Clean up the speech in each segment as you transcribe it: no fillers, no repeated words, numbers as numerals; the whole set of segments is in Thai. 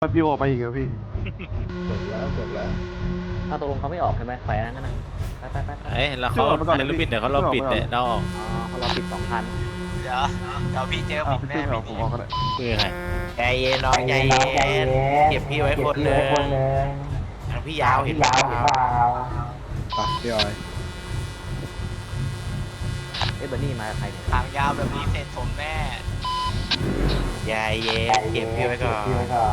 พี่ออกไปอีกแล้วพี่จบแล้วถ้าตกลงเขาไม่ออกใช่ไหมไปนั่นก็นะไปเอ้ยแล้วเขาช่วยออกไปก่อนเซนลูกบิดเดี๋ยวเขาเราปิดเนี่ยเราออกอ๋อเขาเราปิด2,000 เดี๋ยวพี่เจอผอ่ะมพี่แน่ช่วยพี่ผมออกก็ได้คือไงใจเย็นน้องใจเย็นเก็บพี่ไว้คนหนึ่งทางพี่ยาวเห็นเปล่าไปพี่ออยเบอร์นี่มากับใครเนี่ยทางยาวแบบนี้เสร็จผมแน่ใจเย็นเก็บพี่ไว้ก่อน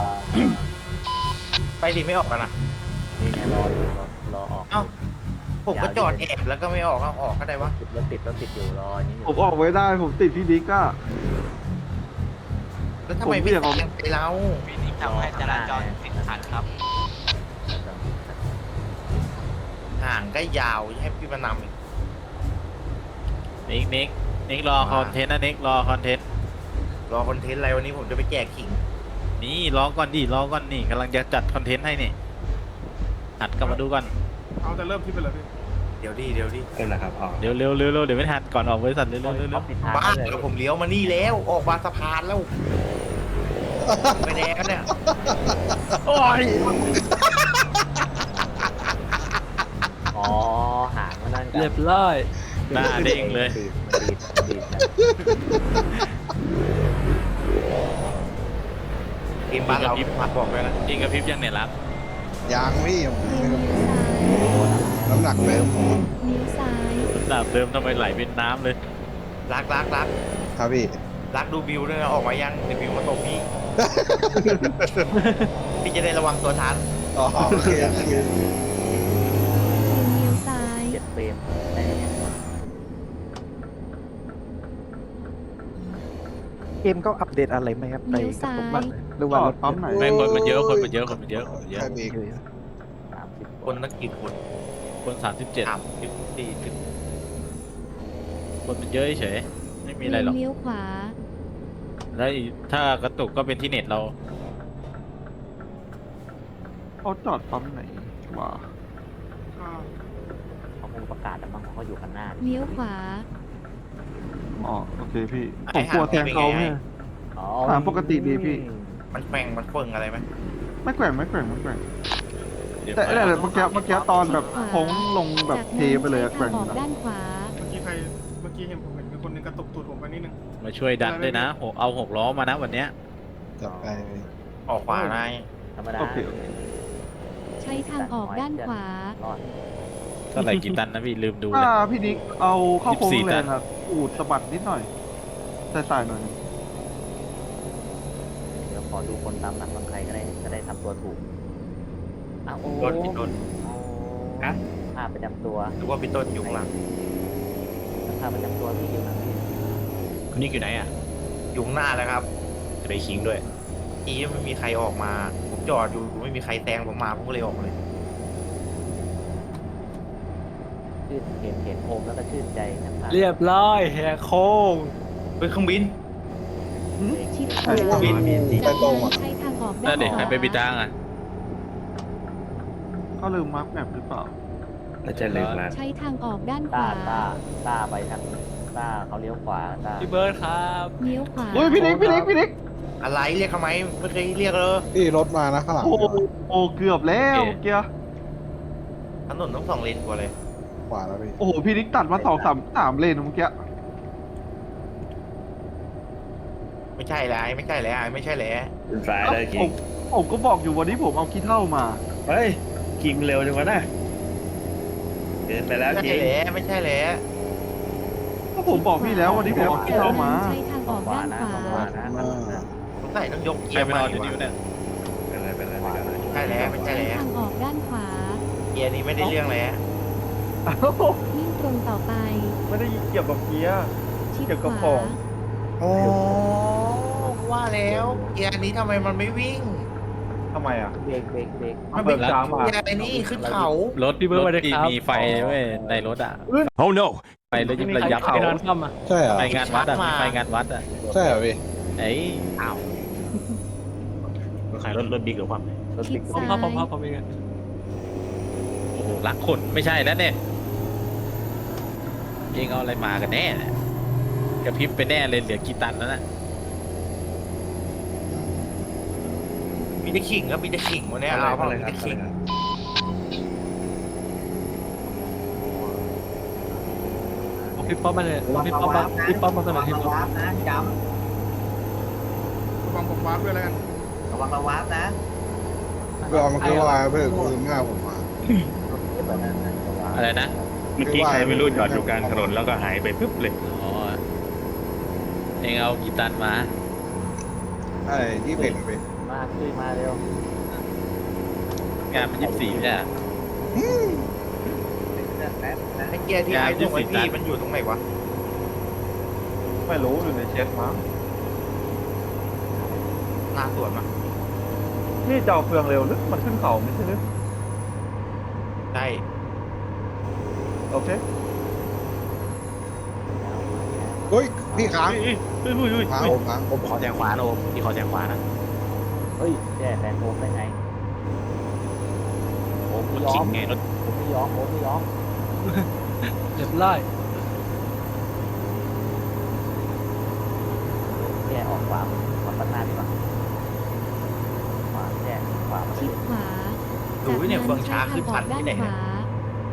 ไปดิไม่ออกกันนะนี่ไงรออยู่รอออกเอ้าผมก็จอดแอบแล้วก็ไม่ออกเอาออกก็ได้วะรถติดอยู่รออย่างนี้อยู่ผมออกไว้ได้ผมติดพี่ดิ๊กอะแล้วทำไมไม่เลี้ยงไปเราพี่นิกทำให้จราจรติดขัดครับห่างก็ยาวให้พี่มานำอีกนิกรอคอนเทนต์นะนิกรอคอนเทนต์รอคอนเทนต์อะไรวันนี้ผมจะไปแจกขิงนี่รอก่อนนี่กำลังจะจัดคอนเทนต์ให้นี่หัดกลับมาดูก่อนเอาแต่เริ่มที่ไปเลยพี่เดี๋ยวดิเร็วเดี๋ยวไม่ทันก่อนออกบริษัทเร็วเขาปิดทางบ้าเลยแล้วผมเลี้ยวมานี่แล้วออกบางสะพานแล้วไปแดงกันเนี่ยโอ้ยอ๋อหางมันนั่นกันเรียบร้อยหน้าเด้งเลยมันดีดนะเกมบ้านเราผัดบอกไว้นะจริงกับพริบยังเนี่ยรักยางพี่น้ำหนักเดิมนิ้วซ้ายดาบเดิมทำไมไหลเป็นน้ำเลยรักครับพี่รักดูบิวด้วยนะออกมายังเดี๋ยวบิวมาตกพี่ พี่จะได้ระวังตัวทันอ๋อโอเคโอเคนิ้วซ้าย 7 เฟรมได้เนี่ยเกมก็อัปเดตอะไรไหมครับในนิ้วซ้ายมันหรือจว่าอรดถปั๊มไหนไม่คนมันเยอะคนมันเยอะใครเบรก 30 คนนักกี่คนคน37 40 คนมันเยอะเฉยไม่มีอะไรหรอกนิ้วขวาแล้วถ้ากระตุกก็เป็นที่เน็ตเราเขาจอดปั๊มไหนวะเขาคงประกาศแต่บางเขาอยู่ข้างหน้านิ้วขวาอ๋อโอเคพี่ผมกลัวแทงเขาไงอ๋อถามปกติดีพี่มันแกว่งมันเฟิงอะไรไหมไม่แกว่งแต่เมื่อกี้ตอนแบบโค้งลงแบบเทไปเลยอะแกว่งออกด้านขวาเมื่อกี้เห็นผมเห็นมีคนหนึงกระตุกตูดผมไปนิดนึงมาช่วยดันด้วยนะเอา6 ล้อมานะวันเนี้ยจับไปพี่ออกขวาได้ธรรมดาโอเคใช้ทางออกด้านขวารอดเท่าไหร่กี่ตันนะพี่ลืมดูเลยถ้าพี่นิกเอาเข้าโค้ง 14 แรงอะอูดสะบัดนิดหน่อยสายหน่อยเดี๋ยวขอดูคนตามหลังบางใครก็ได้ทำตัวถูกอ้าวโอ้โดนพี่ต้น ฮะภาพประจำตัวหรือว่าพี่ต้นอยู่ข้างหลังภาพประจำตัวพี่อยู่หลังพี่คนนี้อยู่ไหนอ่ะอยู่ข้างหน้าแล้วครับจะไปคิงด้วยอีไม่มีใครออกมาผมจอดอยู่ไม่มีใครแซงผมมาผมก็เลยออกเลยชื่นเห็นโอมแล้วก็ชื่นใจนะครับเรียบร้อยแหกโค้งเป็นเครื่องบินชิดขใช่วาก็มีไปตรงอ่ะใช้ทางออกด้าแล้วนเด็กขใครวาไปปิดทางอ่ะเขาลืมมาร์กแมปหรือเปล่าแล้วจะลืมแล้วใช้ทางออกด้านขต้าวาต้าไปทางต้าเขาเลี้ยวขวาต้าพี่เบิร์ดครับนิ้วขวาเฮ้ยพี่นิกอะไรเรียกทำไมไม่เคยเรียกเลยพี่รถมานะข้างหลังโอ้เกือบแล้วเมื่อกี้ถนนต้อง2 เลนกว่าเลยขวาแล้วพี่โอ้โหพี่นิกตัดมา2-3เลนเมื่อกี้ไม่ใช่แล้วไม่ใช่แล้วไม่ใช่แล้วสายเลยคิงผมก็บอกอยู่วันนี้ผมเอาขี้เท่ามาเฮ้ยคิงเร็วจังวะน่ะเกินไปแล้วไม่คิใช่งแล้วไม่ใช่แล้วก็ผมบอกพี่แล้ววันนี้ผมเอาขี้เท่ามาใช้ทางออกขวาด้านนะขวาขวานะสงสัยต้องยกเกีใครยร์ไปนมาอนอดียู่กนี่ว่าเนี่ยเป็นไรใช่แล้วไม่ใช่ใช้แล้วทางออกด้านขวาเกียร์นี้ไม่ได้เรื่องแล้ววิ่งตรงต่อไปไม่ได้เกี่ยวกับเกียร์ชิดเกี่ยวขกับวาของโอ้ว่าแล้วเกียร์นี้ทำไมมันไม่วิ่งทำไมอ่ะเบรกมันเป็นเบิกช้ามาเกียร์ไอ้นี่ขึ้นเขารถพี่เบิร์ดสวัสดีครับมีไฟเว้ยในรถอ่ะไฟระยิบระยับใครนอนค่ำอ่ะใช่เหรอไปงานวัดอ่ะมีไฟงานวัดอ่ะใช่เหรอพี่ไอ้รถบิ๊กผมเองอะโอ้โหรักคนไม่ใช่แล้วเนี่ยเองเอาอะไรมากันแน่เนี่ยกระพริบไปแน่เลยเหลือกี่ตันแล้วนะมีแต่ขิงครับมีแต่ขิงวันนี้เอาเพราะมีแต่ขิงพี่ป๊อปมาเลยพี่ป๊อปมาพี่ป๊อปมาสมัครพี่ป๊อประวังผมวาร์ปด้วยแล้วกันเพื่อเอามาคือว่าเพื่อคืนหน้าผมมาอะไรนะเมื่อกี้ใครไม่รู้จอดอยู่กลางถนนแล้วก็หายไปปึ๊บเลยอ๋อเองเอากี่ตันมาไอ้ที่เป็นไปมาคุยมาเร็วงานมัน24เนี่ยไอ้เกียร์ที่ไอ้ตรงไอ้พี่มันอยู่ตรงไหนวะไม่รู้อยู่ในเช็คมั้งหน้าสวนมานี่จะเอาเฟืองเร็วหรือมันขึ้นเขาไม่ใช่หรือใช่โอเคเฮ้ยพี่ค้างเฮ้ยค้างผมค้างผมขอแซงขวานะโอมพี่ขอแซงขวานะเฮ้ยแย่แฟนโอมได้ไงโอ้มันขิงไงรถผมไม่ยอมผมไม่ยอมเรียบร้อยแย่ออกขวามาปัดหน้าดีกว่าขวาแย่ขวามาชิดขวาดูไว้เนี่ยเฟืองช้าขึ้นพันด้าที่นไหนขเนี่วาย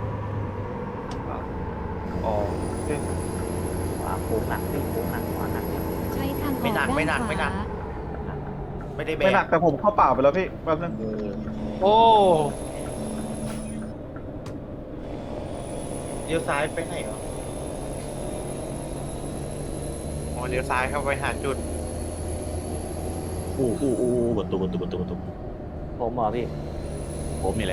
อ๋อโอเคขวาโค้งหนักพี่โค้งหนักขวาหนักพี่ใช้ทางออกด้านขวาไม่ได้แบไม่หนักกแต่ผมเข้าป่าไปแล้วพี่แป๊บนึงโอ้เลี้ยวซ้ายไปไหนเหรออ๋อเลี้ยวซ้ายเข้าไปหาจุดอู้ประตูผมเหรอพี่ผมนี่แหละ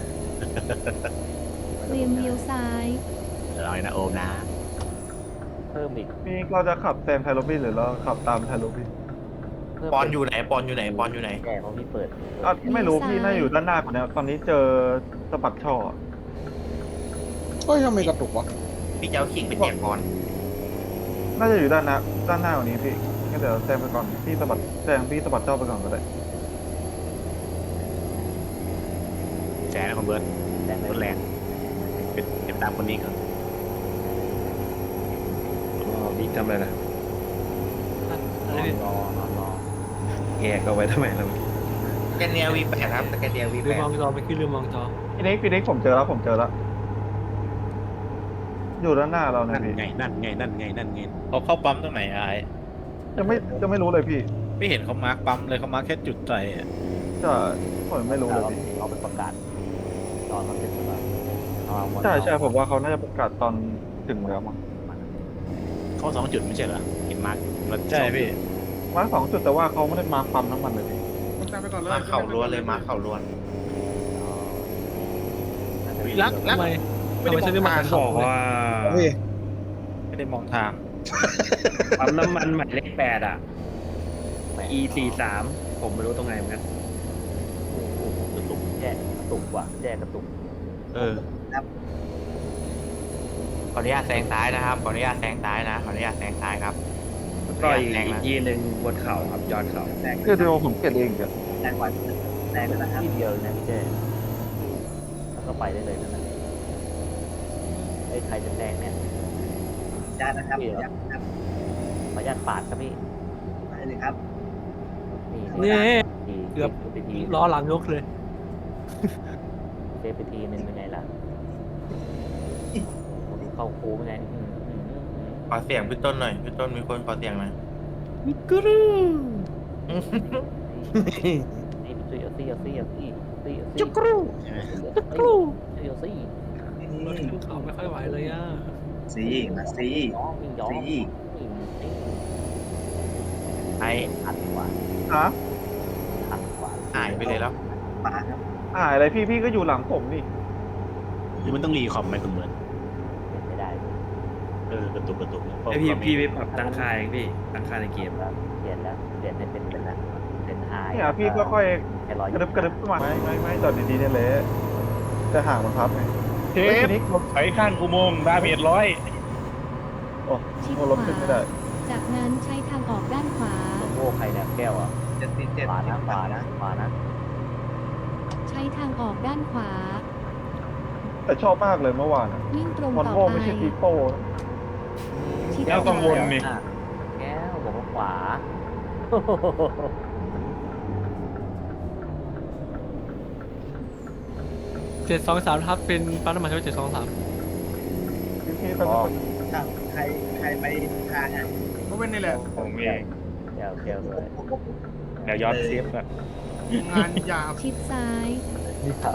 เตรียมเลี้ยวซ้ายอะไรนะโอมนะเพิ่มอีกนี่เราจะขับแซงไทโรบี้หรือเราขับตามไทโรบี้เพิ่มปอนอยู่ไหนปอนอยู่ไหนปอนอยู่ไหนแย่เพราะพี่เปิดไม่รู้พี่น่าอยู่ด้านหน้าผมเนี่ยตอนนี้เจอสะบัดช่อเฮ้ยทำไมกระตุกวะพี่เจ้าขิงไปแจกปอนน่าจะอยู่ด้านหน้ากว่านี้พี่งั้นเดี๋ยวแซงไปก่อนพี่สะบัดแซงพี่สะบัดช่อไปก่อนก็ได้แซงนะคนเบิร์ดแย่รถแรงเป็นตามคนนี้ก่อนบิ๊กทำอะไรนะรอแกก็ไว้ทำไมล่ะแกเนียวีแปดครับแต่แกเนียวีลืแปมดมองจอไม่ขึ้นลืมมองจอพี่นิกผมเจอแล้วอยู่ด้านหน้าเราเนี่นั่ยนพี่ไงเขาเข้าปั๊มตรงไหนไอ้จะไม่รู้เลยพี่ไม่เห็นเขามาร์กปั๊มเลยเขามาร์กแค่จุดใจอะจะผมไม่รู้เลยพี่เราไปประกาศตอนมันเป็นแบบใช่ผมว่าเขาน่าจะประกาศตอนถึงแล้วมั้งเขา2 จุดไม่ใช่เหรอเห็นมาร์กใช่พี่มาร์ค2 จุดแต่ว่าเขาไม่ได้มาร์คปั๊มน้ำมันเลยพี่ต้องตามไปก่อนเลยมาเข่าล้วนเลยมาเข่าล้วนรักทำไมฉันได้มาบอกว่าพี่ไม่ได้มองทางปั๊มน้ำมันหมายเลข8อ่ะ E43 ผมไม่รู้ตรงไหนเหมือนกันกระตุกว่ะแย่กระตุกเออขออนุญาตแซงซ้ายนะครับขออนุญาตแซงซ้ายนะขออนุญาตแซงซ้ายครับก็อีกยีหนึ่งบนเขาครับยอดเขาคือเดียวผมเก็บเองเดี๋ยวที่เดียวนะพี่แจ้แล้วก็ไปได้เลยนะไอ้ใครจะแจ้งเนี่ยญาตินะครับขอญาตปาดครับพี่ไปเลยครับนี่เกือบล้อหลังยกเลยเซฟไปทีนึงเป็นไงล่ะเข้าโค้งไงขอเสียงพี่ต้นหน่อยพี่ต้นมีคนขอเสียงหน่อยกรูนี่พี่เอาซี่จุกรูใช่ไหมเอาซี่รถขึ้นเขาไม่ค่อยไหวเลยอ่ะย้อมนี่ไอทันกว่าฮะหายไปเลยแล้วอะไรพี่ก็อยู่หลังผมนี่หรือมันต้องรีคอมไหมคุณเหมือนเป็นไม่ได้กระตุกพี่ไปปรับตั้งค่าเองพี่ตั้งค่าในเกมแล้วเปลี่ยนให้เป็นนะเป็นไฮเนี่ยพี่ก็ค่อยแค่ร้อยกระดึบขึ้นมาไม่จอดดีๆเนี่ยเลยจะห่างมันพับไงเทปไปข้างอุโมงค์ดาเมจ100 โอ้ชิดโหขรวาถขึ้นไม่ได้จากนั้นใช้ทางออกด้านขวาโง่ใครเนี่ยแก้วอ่ะขวานะใช้ทางออกด้านขวาแต่ชอบมากเลยเมื่อวานวิ่งตรงมอนต่อโวไปไม่ใช่ปีโป้ชิดแล้วกังวลนี่แก้วบอกว่าขวา 723ครับเป็นปั๊มน้ำมัน723 พี่ต้องใครไปทางอ่ะก็เป็นนี่แหละผมเองเดี๋ยวเลยเดี๋ยวย้อนเซฟก่อนงานหยาบชิดซ้ายนี่ครับ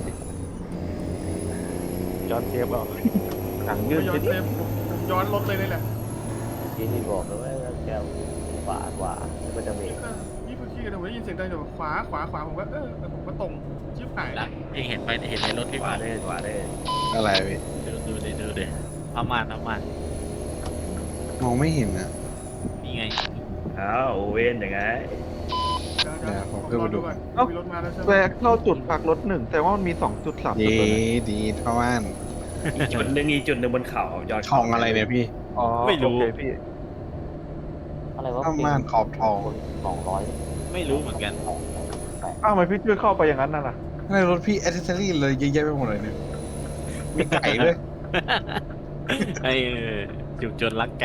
ย้อนเซฟเอาหนังผมยืดย้อนนิดเซฟผมย้อนรถเลยนี่แหละที่บอกเลยว่าแกขวแล้วก็จะมีพี่พูดขี้กันผมได้ยินเสียงดังอยู่ขวาผมก็ผมก็ตรงชิบหายเองเห็นในรถพี่ขวาเลยขวาเลยอะไรพี่ดูดิประมาณมองไม่เห็นนะนี่ไงอ้าวโอเว่นยังไงเดี๋ยวผมรอดูก่อนมีรถมาแล้วใช่ไหมแวกเข้าจุดพักรถหนึ่งแต่ว่ามันมี2 จุด 3 จุดดีเลยนะดีเท่านั้นอีกจุดหนึ่งบนเขายอดทองอะไรเนี่ยพี่อ๋อไม่รู้โอเคพี่อะไรวะผ้าม่านขอบทอง 200 ไม่รู้เหมือนกันอ้าวทำไมพี่ช่วยเข้าไปอย่างนั้นน่ะล่ะในรถพี่แอ c เซสซอรี่เลยเยอะแยะไปหมดเลยเนี่ยมีไก่ด้วยไอ้จุกจนรักไก่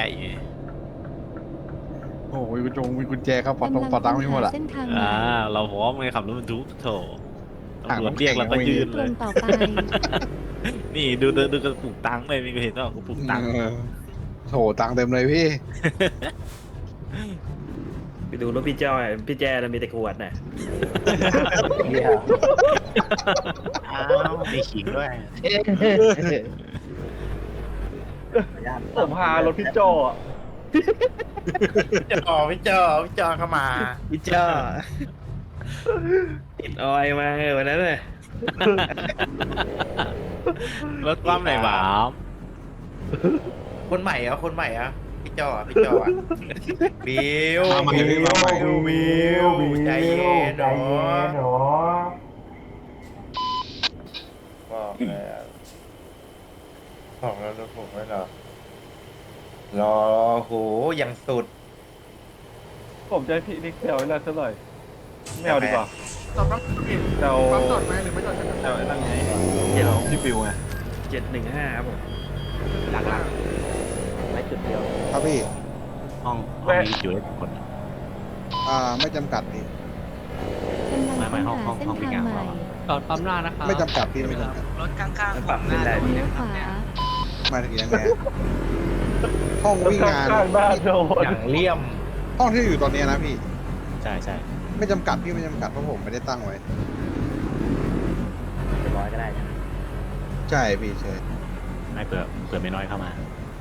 โอ้โหมีกุญแจครับปอดกำตลัรงงปอดตังค้ไม่นหมดหาอ่ะเส้นทางใหม่เราพร้อมไงขับรถบรรทุกโถอ่ะตำรวจเรียกเราก็ยืนตเลรยงต่อไปนี่ดูกระปุกตังค์เลยมีก็เห็นว่ากระปุกตังค์เออโถตังค์เต็มเลยพี่ไปดูรถพี่เจ้าพี่แจ้แล้วมีแต่ขวดน่ะเนี่ยอ้าวมีขิงด้วยผมพารถพี่โจอ่ะพี่จอเข้ามาพี่เจ้าติดออยมาวันนั้นเลยรถความไหนหวามคนใหม่เหรอพี่จอบิวมาใหม่พี่มาใหม่ใจเย็นเนาะบอกแล้วนะผมไม่รอโหอย่างสุดผมจะให้พี่นิกเซลไว้แล้วเท่าไหร่ไม่เอาดีกว่าจอดปั๊มผิดเอาปั๊มจอดไหมหรือไม่จอดกันเอาไอ้นั่นไงเดี๋ยวพี่บิวไง 715ครับผมหลักไม่จุดเดียวครับพี่ห้องนี้อยู่ได้คนไม่จำกัดพี่กำลังค้นหาเส้นทางใหม่จอดปั๊มหน้านะครับไม่จำกัดพี่ไม่จำกัดรถข้างๆผมหน้าเลี้ยวขวามาถึงยังไงอะห้องวิ่งงานข้างบ้านโดนอย่างเลี่ยมห้องที่อยู่ตอนเนี้ยนะพี่ใช่ไม่จำกัดพี่ไม่จำกัดเพราะผมไม่ได้ตั้งไว้ 100ก็ได้ใช่ไหมใช่พี่ใช่ไม่เผื่อไม่น้อยเข้ามา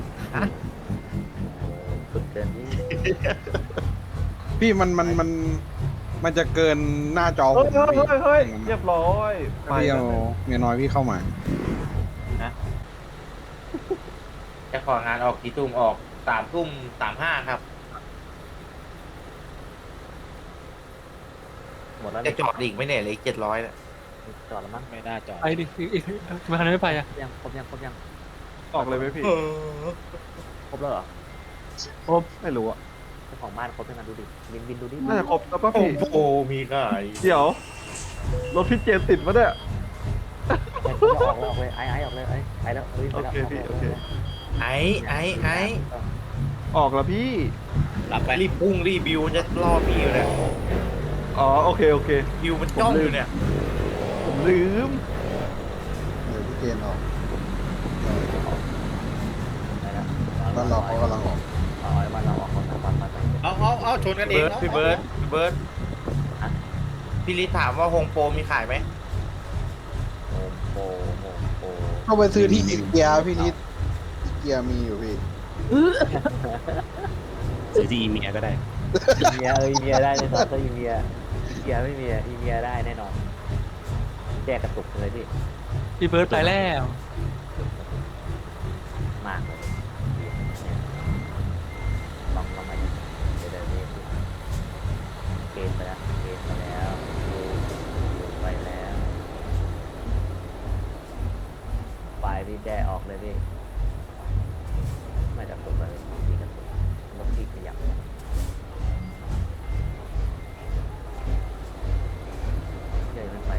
สุดเกินที่พี่มันจะเกินหน้าจอผเฮ้มยเรียบร้อยไปพี่แล้เอาวเมียน้อยพี่เข้ามาจะของานออกกี่ทุ่มออก3:35ครับหมดแล้วจะจอดอีกไหมเนี่ยเลย700เนี่ยจอดแล้วมั้งไม่น่าจอดไปดิทำไมคันนั้นไม่ไปอ่ะยังครบยังออกเลยไหมพี่ครบแล้วเหรอครบไม่รู้อ่ะเจ้าของบ้านครบยังไงดูดิบินดูดิน่าจะครบแล้วป่ะโอ้พี่โหมีขายเดี๋ยวรถพี่เจนติดปะเนี่ยออกเลยไอ้ออกเลยไอ้แล้วโอเคพี่โอเคไอ้ออกแล้วพี่หลับไปรีบพุ่งรีบบิวจะล่อพี่อยู่เนี่ยอ๋อโอเคโอเคบิวมันจ้องอยู่เนี่ยผมลืมเดี๋ยวพี่เจนออกบ้านเราเขากำลังออกอ๋อบ้านเราออกคนบ้านมาเอาชนกันเองพี่เบิร์ดพี่ลิศถามว่าโฮงโปรมีขายไหมโอ้เข้าไปซื้อที่อีเกียพี่นิดอีเกียมีอยู่พี่ซื้อที่อีเมียก็ได้เมียได้แน่นอนถ้าเมียไม่มีเมียได้แน่นอนแยกกระตุกเลยพี่พี่เบิร์ดไปแล้วมากเลยลองมาดิเดี๋ยวเกณฑ์ไปแล้วไปแล้วไปพี่แจออกเลยพี่ไม่กระตุกเลยพี่กระตุกรถพี่ขยับเดี๋ยวไป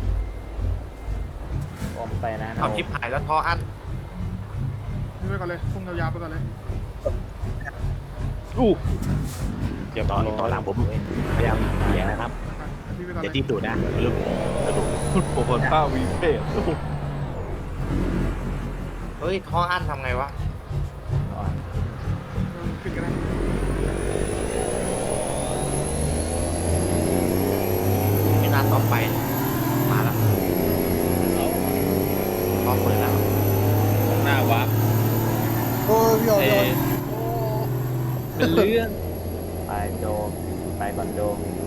อมไปนะเอาชิปหายแล้วท่ออั้นนี่ไปก่อนเลยพุ่งยาวๆไปก่อนเลยอู้เดี๋ยวตอนหลังผมพยายามเสียนะครับพี่ไปก่อนเดี๋ยวเลยที่ดูนะลูกโผล่ป้าวีเป้เฮ้ยท่ออั้นทำไงวะขึ้นกันนะไม่นานต่อไปมาแล้วพอเปิดแล้วหน้าวับโอ้ยพี่ออยเป็นเรื่องไปโดไปก่อนโด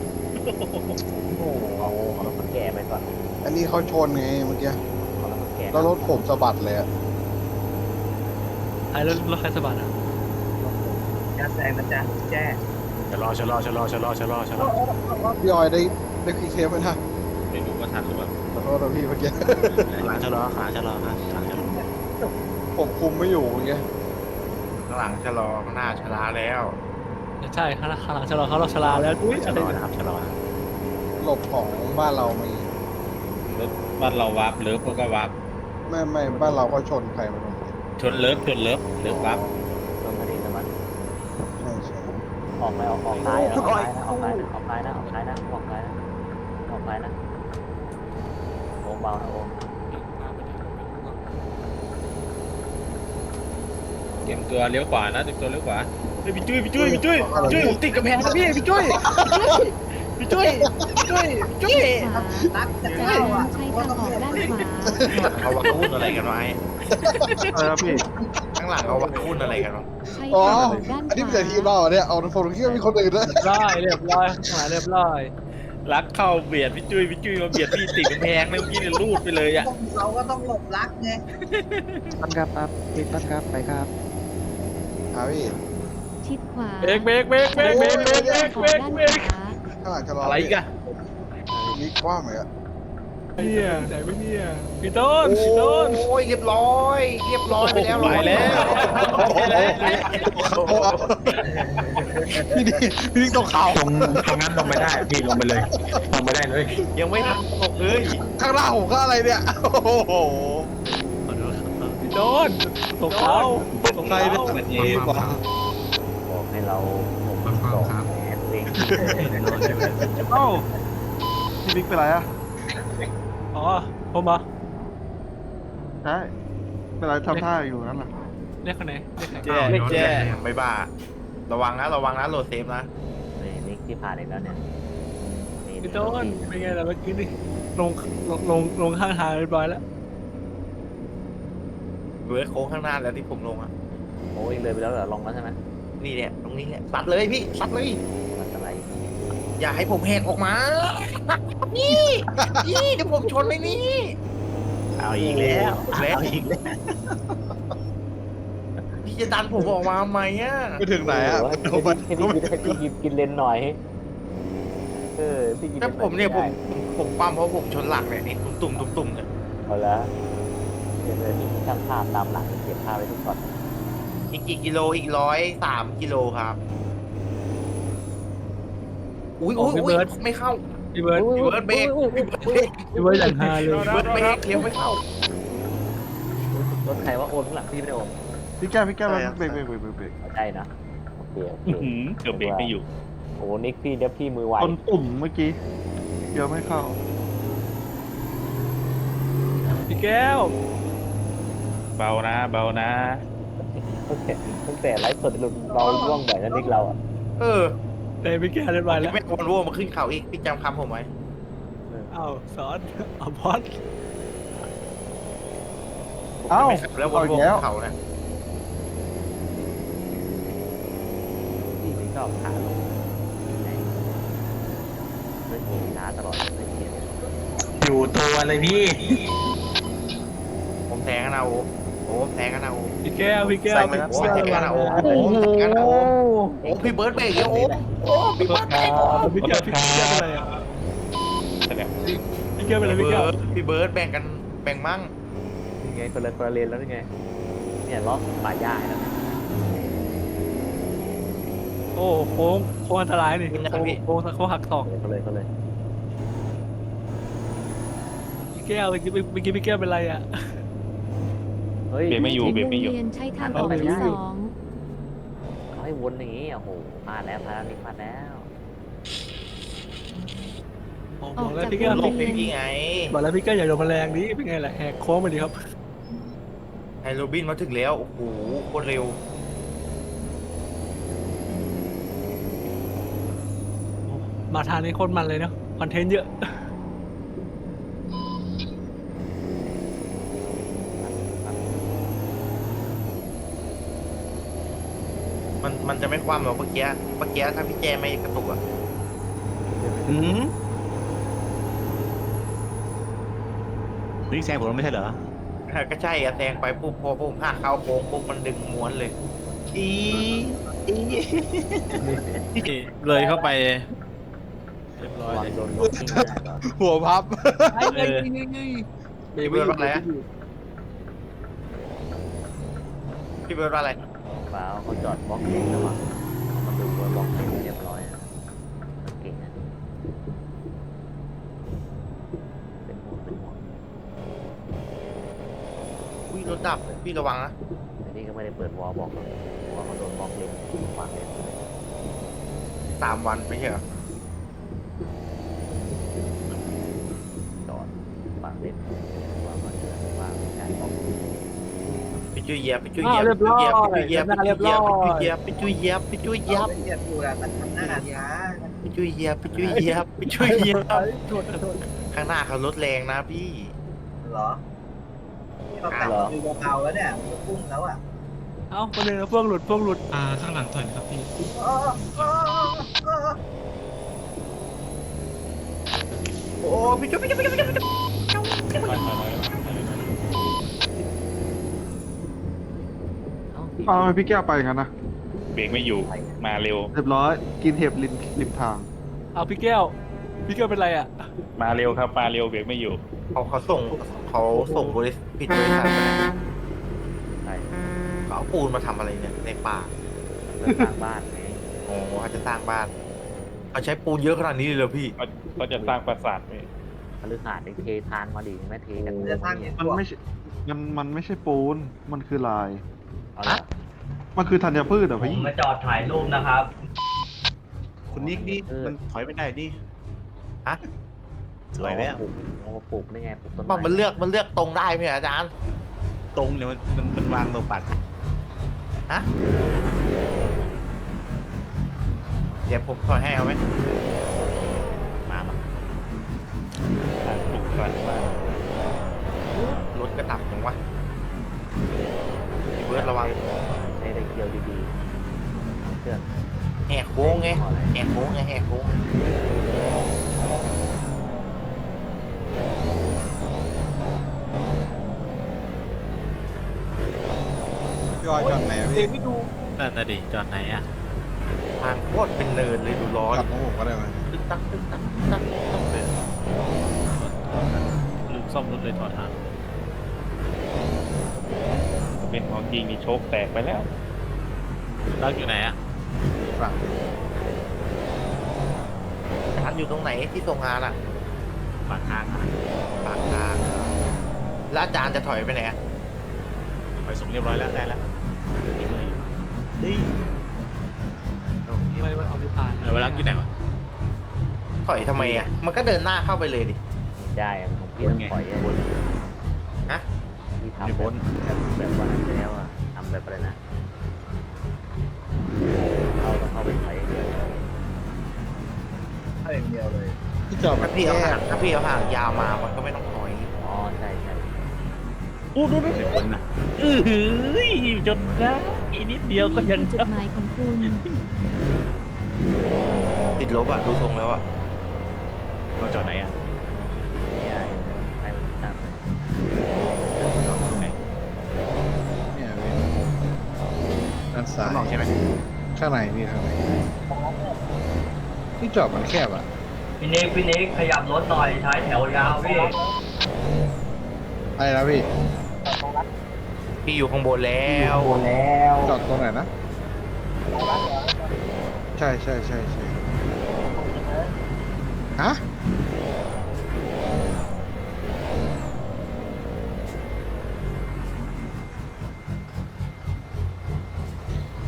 เอารถคนแก่ไปก่อนอันนี้เขาชนไงเมื่อกี้เอารถคนแก่แล้วรถผมสะบัดเลยอะไอ้รถใครสะบัดอ่ะจะแซงนะจ๊ะแจ้ชะลอพี่ออยได้คลิกเซฟไหมนะไม่รู้ว่าทันหรือเปล่าขอโทษนะพี่เมื่อกี้หลังชะลอขาชะลอนะหลังชะลอผมคุมไม่อยู่เมื่อกี้ข้างหลังชะลอข้างหน้าชะลาแล้วใช่ข้างหลังชะลอเขาเราชะลาแล้วชะลอนะครับชะลอหลบของบ้านเรามีรถบ้านเราวับเลิฟก็วับไม่บ้านเราก็ชนใครมาตรงนี้ชนเลิฟวับลงมาดีนะมันใช่ใช่ออกไปออกซ้ายนะออกซ้ายนะออกซ้ายนะออกซ้ายนะออกซ้ายนะออกซ้ายนะออกซ้ายนะโอมเบานะโอมเตรียมตัวเลี้ยวขวานะเตรียมตัวเลี้ยวขวาเฮ้ยพี่จุ้ยผมติดกำแพงนะพี่จุ้ยรักจะใช้ทางออกด้านขวาเขาว่าวุ่นอะไรกันวะพี่ข้างหลังเขาว่าวุ่นอะไรกันวะใช้อ๋อทางออกด้านขอันนี้วาเป็นแต่ทีมเราเหรอเนี่ยเอาในโฟล์ที่มีคนอื่นด้วยเรียบร้อยเรียบร้อยรักเข้าเบียดพี่จุ้ยมาเบียดพี่ติดกำแพงนะเมื่อกี้เนี่ยลูดไปเลยอ่ะเราก็ต้องหลบรักไงปั้นครับพี่ปั้นครับไปครับพี่ชิดขวาเบรกใช้ทางออกด้านขวาข้างหลังชะลออะไรอีกอะนี่กว้างเลยอะไหนไม่เนี่ยพี่ต้นโอ้ยเรียบร้อยไปแล้วไปแล้วพี่นี่ต้องเขาตรงนั้นลงไปได้พี่ลงไปเลยลงไปได้เลยยังไม่ทันตกเลยข้างหน้าผมก็อะไรเนี่ยโอ้โหพี่ต้นตกเขาตกใครเนี่ยมันเองบอกบอกให้เราตกแอนเวงเอ้าพี่บิ๊กเป็นไรอ่ะอ๋อผมเหรอใช่เป็นไรทำท่าอยู่นั่นแหละเรียกคนไหนแจ้ไม่บ้าระวังนะโหลดเซฟนะนี่นิกที่ผ่านอีกแล้วเนี่ยพี่ต้นเป็นไงล่ะเมื่อกี้นี่ลงข้างทางเรียบร้อยแล้วดูไอ้โค้งข้างหน้าแล้วที่ผมลงอ่ะโอ้ยเลยไปแล้วเหรอลงแล้วใช่ไหมนี่เนี่ยตรงนี้เนี่ยสัดเลยพี่สัดเลยมันอะไรอย่าให้ผมแหกออกมา นี่เดี๋ยวผมชนเลยนี่เอาอีกแล้วพี่จะดันผมออกมาทำไมอ่ะไปถึงไหนอะให้พี่กินเลนหน่อยพี่กินแต่ผมเนี่ยผมปั๊มเพราะผมชนหลักเนี่ยนี่ตุ่มเนี่ยเอาละเดี๋ยวเลยมีช่างภาพตามหลังเก็บภาพไว้ทุกช็อตอีกกี่กิโลอีก103 กิโลครับอุ้ยไม่เข้าพี่เบิร์ดพี่เบิร์ดเบรกพี่เบิร์ดอย่างฮาเลยเบิร์ดเบรกเลี้ยวไม่เข้ารถใครว่าโอนข้างหลังพี่ไม่ได้โอนพี่แก้วเบรกใช่นะโอเคเกือบเบรกไม่อยู่โอ้นิกพี่เดี๋ยวพี่มือไวคนตุ่มเมื่อกี้เดี๋ยวไม่เข้าพี่แก้วเบานะตั้งแต่ไลฟ์สดหลุดเราล่วงบ่อยนะนิกเราอ่ะเออเตะพี่แก้วเรียบร้อยแล้วไม่โอนวัวมาขึ้นเขาอีกพี่จำคำผมไว้เอาสอนเอาพอดเอ้าแล้ววนวัวขึ้นเขานะพี่ไม่ชอบขาลงเล่นเกมช้าตลอดเล่นเกมอยู่ตัวเลยพี่ผมแทงกันเอาโอ้แทงกันเอาพี่แก้วพี่แก้วโอ้แทงกันเอาโอ้แทงกันเอาโอ้พี่เบิร์ดเบรกเยอะโอ้พี่เบิร์ดเบรกพี่แก้วเป็นอะไรอ่ะพี่แก้วเป็นอะไรพี่แก้วพี่เบิร์ดแบ่งมั่งนี่ไงคนละเลนแล้วนี่ไงเนี่ยล้อป่าหญ้าแล้วโอ้โค้งอันตรายนี่โค้งหักศอกเขาเลยพี่แก้วเมื่อกี้พี่แก้วเป็นไรอ่ะเฮ้ยเบรกไม่อยู่โรงเรียนใช้ทางออกที่สองเขาให้วนอย่างงี้โอ้โหพลาดแล้วนิกพลาดแล้วออกจากวงหลบเวียนพี่ไงบอกแล้วพี่ก็อย่าโดนแมลงนี้เป็นไงล่ะแหกโค้งมาดีครับไฮโรบินมาถึงแล้วโอ้โหโคตรเร็วมาทางนี้โคตรมันเลยเนาะคอนเทนต์เยอะมันจะไม่คว่ำหรอกเมื่อกี้ถ้าพี่แจไม่กระตุกอะนี่แซงผมไม่ใช่เหรอก็ใช่อะแซงไปปุ๊บพอผมหักเข้าโค้งปุ๊บมันดึงม้วนเลยอีเลยเข้าไปเรียบร้อยระวังเลยโดนรถทิ้งได้ก่อนหัวพับพี่เบิร์ดว่าอะไรอะพี่เบิร์ดว่าอะไรเปล่าเขาจอดบล็อกเลนแล้วอ่ะเขามาดูว่าบล็อกเลนเรียบร้อยอะมันเก่งนะเป็นห่วงอุ้ยรถดับพี่ระวังนะแต่นี่ก็ไม่ได้เปิดวอลบอกหรอกว่าเขาโดนบล็อกเลนวางเลนเลย 3 วันไม่ใช่เหรอจอดวางเลนวางมาเจอวางงานบล็อกพี่จุ้ยเยียบพี่จุ้ยเยียบพี่จุ้ยเยียบพี่จุ้ยเยียบพี่จุ้ยเยียบพี่จุ้ยเยียบพี่จุ้ยเยียบพี่จุ้ยเยียบเรียกดูแลมันทำหน้าช้าพี่จุ้ยเยียบพี่จุ้ยเยียบพี่จุ้ยเยียบข้างหน้าเขารถแรงนะพี่เหรอที่เราแต่งดูเบาๆแล้วเนี่ยมันพุ่งแล้วอ่ะเอ้าคนหนึ่งนะพวกหลุดข้างหลังถอยครับพี่โอ้พี่จุ้ยพี่จุ้ยพี่จุ้ยพี่จุ้ยเอาทำไมพี่แก้วไปอย่างนั้นนะเบรกไม่อยู่มาเร็วเรียบร้อยกินเห็บริมทางเอาพี่แก้วเป็นไรอ่ะมาเร็วครับมาเร็วเบรกไม่อยู่เขาส่งบริษัทผิดบริษัทไปนะใช่เขาเอาปูนมาทำอะไรเนี่ยในป่าเรื่องสร้างบ้านไงโอ้เขาจะสร้างบ้านเขาใช้ปูนเยอะขนาดนี้เลยเหรอพี่ก็จะสร้างปราสาทไว้คฤหาสน์เททานมาดิแม่เทกันจะสร้างยังมันไม่ใช่มันไม่ใช่ปูนมันคือลายเอาละมันคือธัญพืชเหรอผมพี่มาจอดถ่ายรูปนะครับคุณนิกนี่มันถอยไปได้ดิฮะสวยแล้วเอามาปลูกได้ไงปลูกต้นมันไม้เลือกตรงได้ไหมอาจารย์ตรงเนี่ยมันวางตรงปัดฮะเดี๋ยวผมถอยให้เอาไหมมาทางปลูกก่อนว่ารถกระดับจังวะพี่เบิร์ดระวังให้ได้เกี่ยวดีๆเชื่อแหกโค้งไงแหกโค้งยไงจอดไหนพี่ไม่ดูนั่นน่ะดิจอดไหนอ่ะทางโคตรเป็นเนินเลยดูร้อนจอดของผมก็ได้ไหมตึ๊กตักตึ๊กตักตึ๊กตักตึ๊กตักเลยลืมซ่อมรถเลยถอดทางเป็นของจริงนี่โชคแตกไปแล้วรักอยู่ไหนอ่ะอาจารย์อยู่ตรงไหนที่ส่งงานอ่ะปากทางอะปากทางแล้วอาจารย์จะถอยไปไหนอะไปส่งเรียบร้อยแล้วได้แล้วนี่เลยดิไม่ว่าเอาไม่ผ่านเวลาอยู่ไหนวะถอยทำไมอ่ะมันก็เดินหน้าเข้าไปเลยดิได้ของพี่ต้องปล่อยบนฮะที่ทำแบบวันนั้นแล้วอ่ะทำแบบอะไรนะเราต้องเข้าไปถอยเดียวเอาอย่างเดียวเลยถ้าพี่เอาห่างยาวมามันก็ไม่ต้องถอยอ๋อใช่อู้ดูดูบนนะจนได้อีกนิดเดียวก็ยังจุจะดหมายของคุณติดลบอ่ะดูทรงแล้วอ่ะเราจอดไหนอ่ะเนี่ยให้มันตามจอดตรงไหนเนี่ยด้านซ้าข้างนอกใช่ไหมข้างในนี่ข้างในที่จอดมันแคบอ่ะพี่นิกขยับรถหน่อยท้ายแถวยาวพี่อะไรนะพี่พี่อยู่ข้างบนแล้วจอดตรงไหนนะใช่ฮะ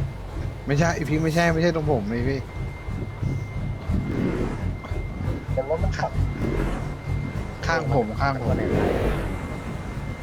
ไม่ใช่พี่ไม่ใช่ตรงผมเลยพี่รข้างผมข้างผม